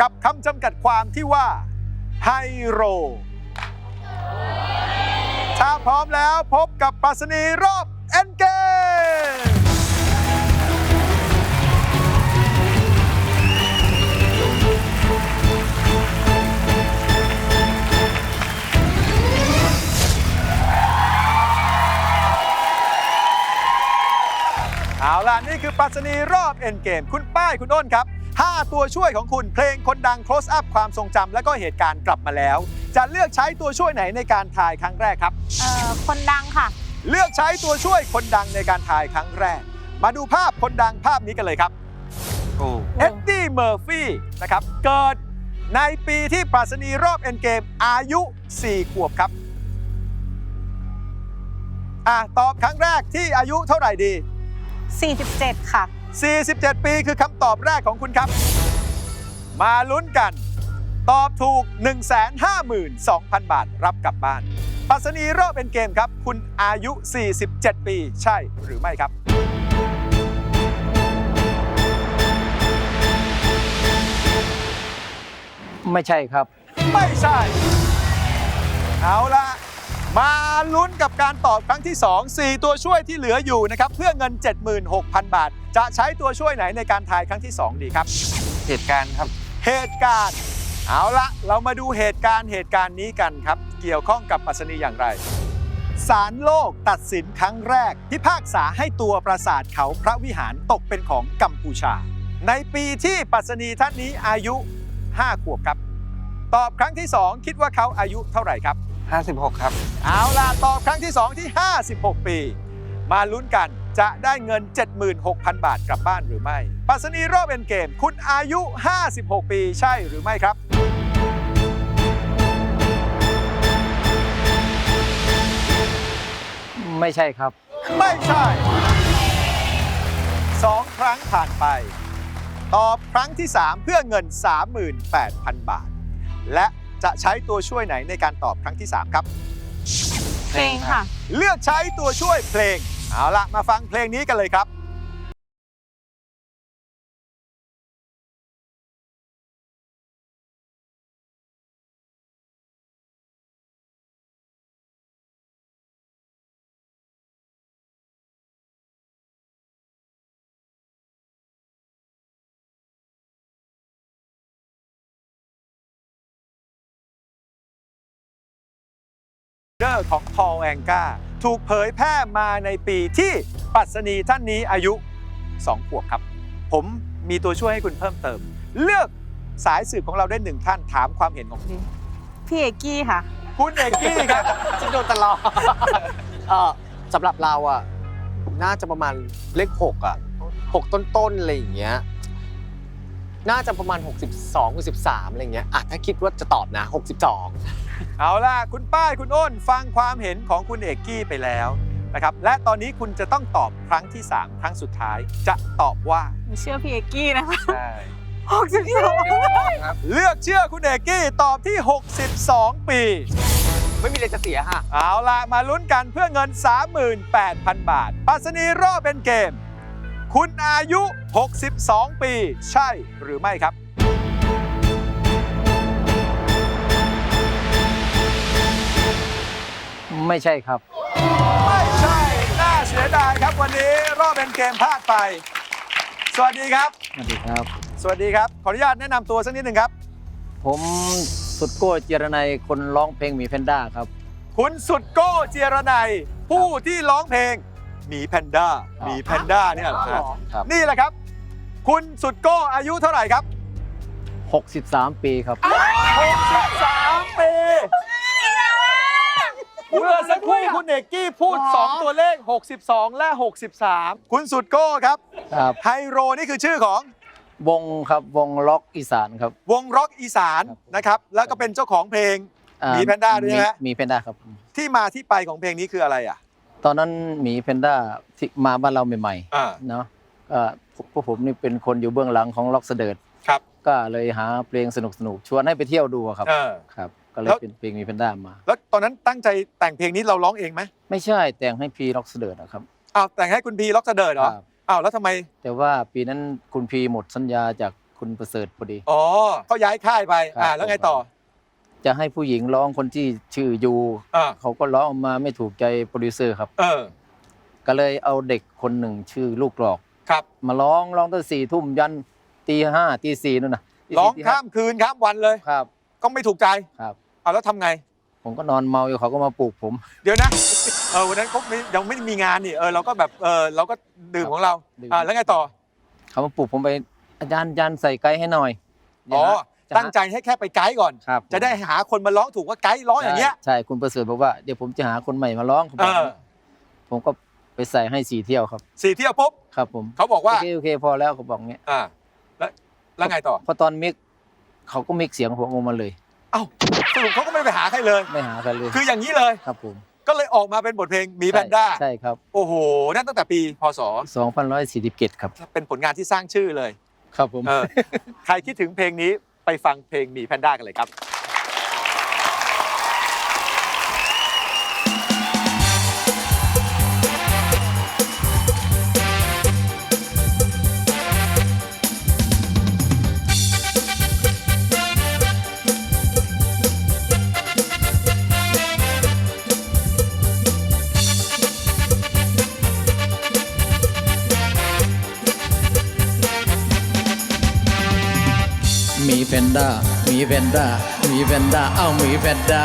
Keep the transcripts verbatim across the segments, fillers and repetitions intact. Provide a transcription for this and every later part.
กับคำจำกัดความที่ว่าไฮโรถ้าพร้อมแล้วพบกับปรัชนีรอบเอ็นเกมเอาล่ะนี่คือปรัชนีรอบเอ็นเกมคุณป้ายคุณอ้นครับห้าตัวช่วยของคุณเพลงคนดัง close up ความทรงจำและก็เหตุการณ์กลับมาแล้วจะเลือกใช้ตัวช่วยไหนในการทายครั้งแรกครับเอ่อคนดังค่ะเลือกใช้ตัวช่วยคนดังในการทายครั้งแรกมาดูภาพคนดังภาพนี้กันเลยครับเอ็ดดี้เมอร์ฟี่นะครับเกิดในปีที่ปรัชนีรอบเอ็นเกมอายุสี่ขวบครับอ่ะตอบครั้งแรกที่อายุเท่าไหร่ดีสี่สิบเจ็ดค่ะสี่สิบเจ็ดปีคือคำตอบแรกของคุณครับมาลุ้นกันตอบถูก หนึ่งแสนห้าหมื่นสองพัน บาทรับกลับบ้านปรัชนีรอบเป็นเกมครับคุณอายุสี่สิบเจ็ดปีใช่หรือไม่ครับไม่ใช่ครับไม่ใช่เอาละมาลุ้นกับการตอบครั้งที่สอง สี่ตัวช่วยที่เหลืออยู่นะครับเพื่อเงิน เจ็ดหมื่นหกพัน บาทจะใช้ตัวช่วยไหนในการทายครั้งที่สองดีครับเหตุการณ์ครับเหตุการณ์เอาละเรามาดูเหตุการณ์เหตุการณ์นี้กันครับเกี่ยวข้องกับปรัชนีอย่างไรศาลโลกตัดสินครั้งแรกพิพากษาให้ตัวปราสาทเขาพระวิหารตกเป็นของกัมพูชาในปีที่ปรัชนีท่านนี้อายุห้าขวบครับตอบครั้งที่สองคิดว่าเขาอายุเท่าไหร่ครับห้าสิบหกครับเอาล่ะตอบครั้งที่สองที่ห้าสิบหกปีมาลุ้นกันจะได้เงิน เจ็ดหมื่นหกพัน บาทกลับบ้านหรือไม่ปรัชนีรอบเอ็นเกมคุณอายุห้าสิบหกปีใช่หรือไม่ครับไม่ใช่ครับไม่ใช่สองครั้งผ่านไปตอบครั้งที่สามเพื่อเงิน สามหมื่นแปดพัน บาทและจะใช้ตัวช่วยไหนในการตอบครั้งที่สามครับเพลงค่ะเลือกใช้ตัวช่วยเพลงเอาละมาฟังเพลงนี้กันเลยครับของพอลแองกาถูกเผยแพร่มาในปีที่ปรัชนีท่านนี้อายุสองขวบครับผมมีตัวช่วยให้คุณเพิ่มเติมเลือกสายสืบของเราได้หนึ่งท่านถามความเห็นของคุณพี่เอกกี้ค่ะคุณเอกกี้ครับฉันโดนตลอดสำหรับเราอ่ะน่าจะประมาณเลขหกอ่ะหกต้นๆอะไรอย่างเงี้ยน่าจะประมาณหกสิบสอง หกสิบสามอะไรอย่างเงี้ยอ่ะถ้าคิดว่าจะตอบนะหกสิบสองเอาล่ะคุณป้ายคุณอ้นฟังความเห็นของคุณเอกกี้ไปแล้วนะครับและตอนนี้คุณจะต้องตอบครั้งที่สามครั้งสุดท้ายจะตอบว่าเชื่อพี่เอกกี้นะคะใช่หกสิบสองเลือกเชื่อคุณเอกกี้ตอบที่หกสิบสองปีไม่มีอะไรจะเสียฮะเอาล่ะมาลุ้นกันเพื่อเงิน สามหมื่นแปดพัน บาทปรัชนีรอบเป็นเกมคุณอายุหกสิบสองปีใช่หรือไม่ครับไม่ใช่ครับไม่ใช่น่าเสียดายครับวันนี้รอบเป็นเกมพลาดไปสวัสดีครับสวัสดีครับสวัสดีครับขออนุญาตแนะนำตัวสักนิดหนึ่งครับผมสุดโก้เจรนัยคนร้องเพลงหมีแพนด้าครับคุณสุดโก้เจรนัยผู้ที่ร้องเพลงหมีแพนด้าหมีแพนด้าเนี่ยเหรอครับนี่แหละครับคุณสุดโก้อายุเท่าไหร่ครับหกสิบสามปีครับหกสิบสามปีเมื่อสักครู่คุณเอกกี้พูดสองตัวเลขหกสิบสองและหกสิบสามคุณสุดโก้ครับไฮโรนี่คือชื่อของวงครับวงล็อกอีสานครับวงร็อกอีสานนะครับแล้วก็เป็นเจ้าของเพลงหมีแพนด้าด้วยนะหมีแพนด้าครับที่มาที่ไปของเพลงนี้คืออะไรอ่ะตอนนั้นหมีแพนด้าที่มาบ้านเราใหม่ๆเนาะพวกผมนี่เป็นคนอยู่เบื้องหลังของล็อกเสดิร์ดครับก็เลยหาเพลงสนุกๆชวนให้ไปเที่ยวดูครับครับก็เลยเป็นเพลงหมีแพนด้ามาแล้วตอนนั้นตั้งใจแต่งเพลงนี้เราร้องเองไหมไม่ใช่แต่งให้พีล็อกเสดิร์ดครับอ้าวแต่งให้คุณพีล็อกเสดิร์ดเหรออ้าวแล้วทำไมแต่ว่าปีนั้นคุณพีหมดสัญญาจากคุณประเสริฐพอดีอ๋อเขาย้ายค่ายไปอ่าครับแล้วไงต่อจะให้ผู้หญิงร้องคนที่ชื่อยูอ่าเขาก็ร้องออกมาไม่ถูกใจโปรดิวเซอร์ครับเออก็เลยเอาเด็กคนหนึ่งชื่อลูกกรอกครับมาร้องร้องตั้งสี่ทุ่มยันตีห้าตีสี่นู่นนะตีสี่ร้องตีห้ข้ามคืนข้ามวันเลยครับก็ไม่ถูกใจครับเอาแล้วทำไงผมก็นอนเมาอยู่เขาก็มาปลุกผมเดี๋ยวนะ เออวันนั้นเขาไม่ยังไม่ได้มีงานนี่เออเราก็แบบเออเราก็ดื่มของเราดื่มอ่าแล้วไงต่อเขามาปลุกผมไปอาจารย์อาจารย์ใส่ไกด์ให้หน่อยอ๋อจะหาตั้งใจให้แค่ไปไกด์ก่อนครับจะได้หาคนมาร้องถูกว่าไกด์ร้องอย่างเงี้ยใช่ใช่คุณประเสริฐบอกว่าเดี๋ยวผมจะหาคนใหม่มาร้องผมบอกเออผมก็ไปใส่ให้สี่เที่ยวครับสี่เที่ยวปุ๊บครับผมเขาบอกว่าโอเคโอเคพอแล้วเขาบอกเงี้ยอ่าแล้วแล้วไงต่อพอตอนมิกเขาก็มิกเสียงผมออกมาเลยเอ้าสรุปเขาก็ไม่ไปหาใครเลยไม่หากันเลยคืออย่างนี้เลยครับผมก็เลยออกมาเป็นบทเพลงหมีแพนด้าใช่ครับโอ้โหนั่นตั้งแต่ปีพศสองพันร้อยสี่สิบเจ็ดครับเป็นผลงานที่สร้างชื่อเลยครับผมเออ ใครคิดถึงเพลงนี้ไปฟังเพลงหมีแพนด้ากันเลยครับมีแพนด้ามีแพนด้ามีแพนด้าเอ้ามีแพนด้า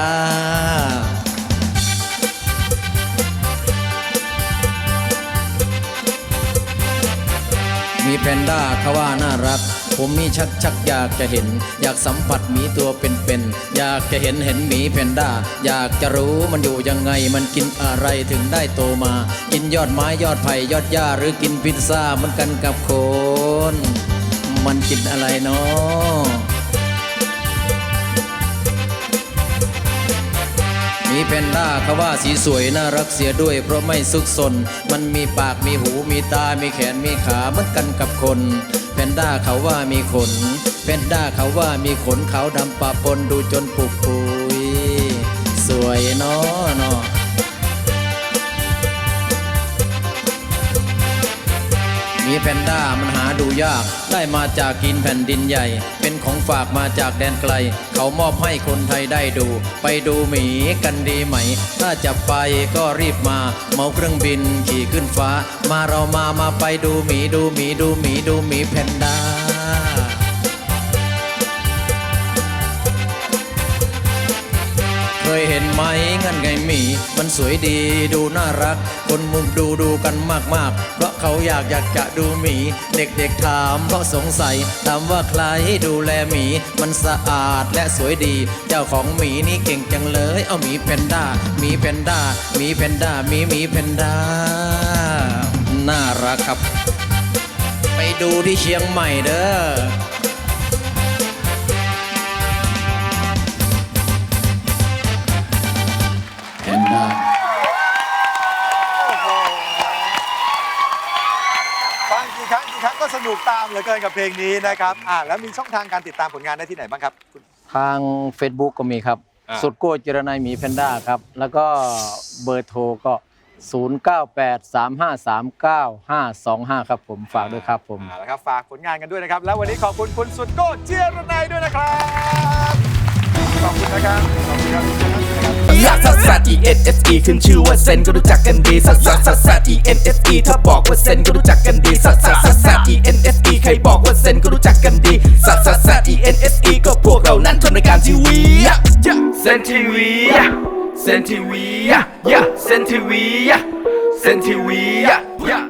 มีแพนด้าเขาว่าน่ารัก ผมมีชักชักอยากจะเห็น อยากสัมผัสหมีตัวเป็นๆอยากจะเห็นเห็นหมีแพนด้าอยากจะรู้มันอยู่ยังไงมันกินอะไรถึงได้โตมา กินยอดไม้ยอดไผ่ยอดหญ้าหรือกินพิซซ่าเหมือนกันกับคน มันกินอะไรเนาะมีแพนด้าเขาว่าสีสวยน่ารักเสียด้วยเพราะไม่ซุกซนมันมีปากมีหูมีตา มีแขนมีขาเหมือนกันกับคนแพนด้าเขาว่ามีขนแพนด้าเขาว่ามีขนขาวดำปะปนดูจนปุกปุยสวยเนาะเนาะมีแพนด้ามันหาดูยากได้มาจากกินแผ่นดินใหญ่เป็นของฝากมาจากแดนไกลเขามอบให้คนไทยได้ดูไปดูหมีกันดีไหมถ้าจะไปก็รีบมาเมาเครื่องบินขี่ขึ้นฟ้ามาเรามามาไปดูหมีดูหมีดูหมีดูหมีแพนด้าเคยเห็นไหมงั้นไงหมีมันสวยดีดูน่ารักคนมุมดูดูกันมากๆเพราะเขาอยากอยากจะดูหมีเด็กๆถามเพราะสงสัยถามว่าใครดูแลหมีมันสะอาดและสวยดีเจ้าของหมีนี่เก่งจังเลยเอาหมีแพนด้าหมีแพนด้าหมีแพนด้าหมีหมีแพนด้าน่ารักครับไปดูที่เชียงใหม่เด้อแพนด้าฟังกี่ครั้งกี่ครั้งก็สนุกตามเหลือเกินกับเพลงนี้นะครับอ่าแล้วมีช่องทางการติดตามผลงานได้ที่ไหนบ้างครับคุณทาง Facebook ก็มีครับอ่าสุดโก้จิรนัยหมีแพนด้าครับ แล้วก็เบอร์โทรก็ ศูนย์ เก้า แปด สาม ห้า สาม เก้า ห้า สอง ห้า ครับผมฝากด้วยครับผมอ่าแล้วครับฝากผลงานกันด้วยนะครับ แล้ววันนี้ขอบคุณคุณสุดโก้เจียรนัยด้วยนะครับ ขอบคุณนะครับขอบคุณครับลักซัสซัส E N S E ขึ้นชื่อว่าเซนก็รู้จักกันดีซัสซัสซัสซัส E N S E ถ้าบอกว่าเซนก็รู้จักกันดีซัสซัสซัสซัส E N S E ใครบอกว่าเซนก็รู้จักกันดีซัสซัสซัส E N S E ก็พวกเรานั้นทำรายการทีวีเซนทีวีเซนทีวีเซนทีวีเซนทีวี